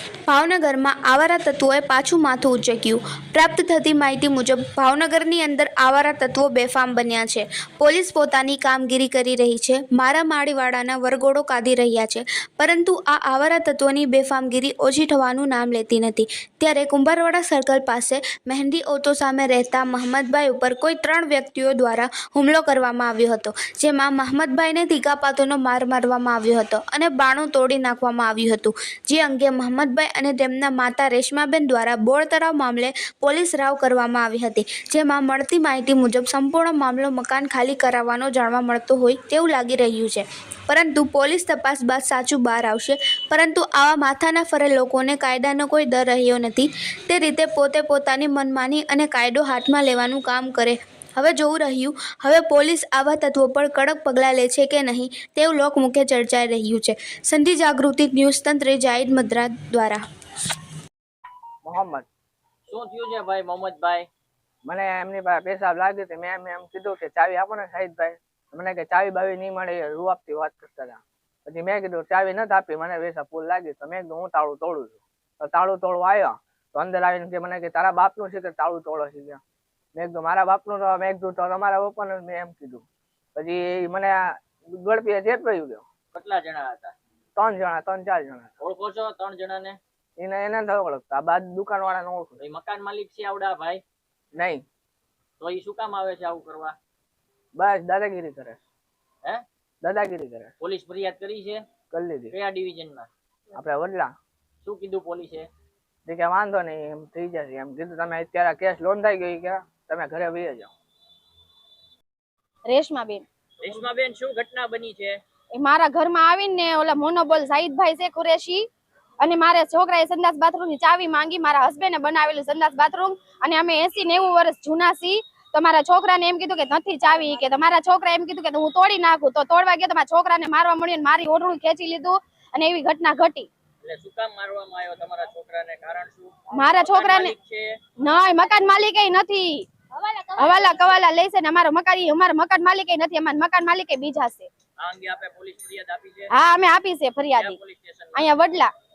ભાવનગરમાં આવારા તત્વોએ પાછું માથું ઉંચક્યું. પ્રાપ્ત થતી માહિતી મુજબ ભાવનગરની અંદર આવારા તત્વો બેફામ બન્યા છે. પોલીસ પોતાની કામગીરી કરી રહી છે, મારામારીવાળાના વરઘોડો કાઢી રહ્યા છે, પરંતુ આ આવારા તત્વોની બેફામગીરી ઓછી થવાનું નામ લેતી નથી. ત્યારે કુંભારવાડા સર્કલ પાસે મહેંદી ઓટો સામે રહેતા મહંમદભાઈ ઉપર કોઈ 3 વ્યક્તિઓ દ્વારા હુમલો કરવામાં આવ્યો હતો, જેમાં મહંમદભાઈને તીકાપાતોનો માર મારવામાં આવ્યો હતો અને બાણું તોડી નાખવામાં આવ્યું હતું. જે અંગે મહંમદભાઈ અને તેમના માતા રેશમાબેન દ્વારા બોર તળાવ મામલે પોલીસ રાવ કરવામાં આવી હતી, જેમાં મળતી માહિતી મુજબ સંપૂર્ણ મામલો મકાન ખાલી કરાવવાનો જાણવા મળતો હોય તેવું લાગી રહ્યું છે, પરંતુ પોલીસ તપાસ બાદ સાચું બહાર આવશે. પરંતુ આવા માથાના ફરે લોકોને કાયદાનો કોઈ ડર રહ્યો નથી. તે રીતે પોતે પોતાની મનમાની અને કાયદો હાથમાં લેવાનું કામ કરે. હવે જોવું રહ્યું હવે પોલીસ આવા તત્વો પર કડક પગલાં લે છે કે નહીં તેવું લોકમુખે ચર્ચાઈ રહ્યું છે. સંધિ જાગૃતિ ન્યૂઝ તંત્રે જાહિદ મદ્રા દ્વારા. મોહમ્મદ શું થયું છે ભાઈ મોહમ્મદભાઈ? મને એમની પાસે પેશાબ લાગ્યો તો મેં એમ કીધું કે ચાવી આપો ને શાહિદભાઈ. મને કે ચાવી બાવી નહીં મળે રૂઆપથી વાત કરતા હતા. પછી મેં કીધું ચાવી નથી આપી, મને પેશાબ ફૂલ લાગી. તો મેં કીધું હું તાળું તોડું છું. તો તાળું તોડવા આવ્યો તો અંદર આવીને કે મને કે તારા બાપનું છે કે તાળું તોડો છે ગયા. મેં કીધું મારા બાપનું તો મેં કીધું તો તમારા પપ્પાનું મેં એમ કીધું. પછી મને ગળપીએ ચેતવાયું ગયો. કેટલા જણા હતા? 3 જણા 3-4 જણા. ઓળખો છો 3 જણાને? એને નથી ઓળખતા, બાદ દુકાન વાળાને ઓળખું. એ મકાન માલિક છે આવડા ભાઈ? નહીં. તો એ શું કામ આવે છે આવું કરવા? બસ દાદાગીરી કરે. હે? દાદાગીરી કરે. પોલીસ ફરિયાદ કરી છે? કરી લીધી. કયા ડિવિઝનમાં? આપણે વડલા. શું કીધું પોલીસે? કે વાંધો નહીં એમ થઈ જશે એમ કીધું. તમે અત્યારે કેસ નોંધાઈ ગઈ કે તમે ઘરે વહી જાઓ. રેશમાબેન શું ઘટના બની છે? એ મારા ઘરમાં આવીને ઓલા મોનોબોલ સાહિદભાઈ છે કુરેશી અને મારા છોકરાએ સંડાસ બાથરૂમ ની ચાવી માંગી. મારા હસબન્ડે બનાવેલું સંડાસ બાથરૂમ અને અમે 80-90 વર્ષ જૂના છીએ. તો મારા છોકરાને એમ કીધું કે નથી ચાવી, કે તમારા છોકરા એમ કીધું કે હું તોડી નાખું. તો તોડવા ગયો તો મારા છોકરાને મારવા મળ્યું, મારી ઓઢણું ખેંચી લીધું અને એવી ઘટના ઘટી. એટલે શું કામ મારવામાં આવ્યો તમારા છોકરાને? કારણ શું? મારા છોકરાને નહીં, મકાન માલિક નથી, હવાલા કવાલા લેશે ને અમારા મકાન માલિક નથી, અમારા મકાન માલિક બીજા છે. આ અંગે આપે પોલીસ ફરિયાદ આપી છે? હા અમે આપી છે ફરિયાદ અહીંયા વડલા.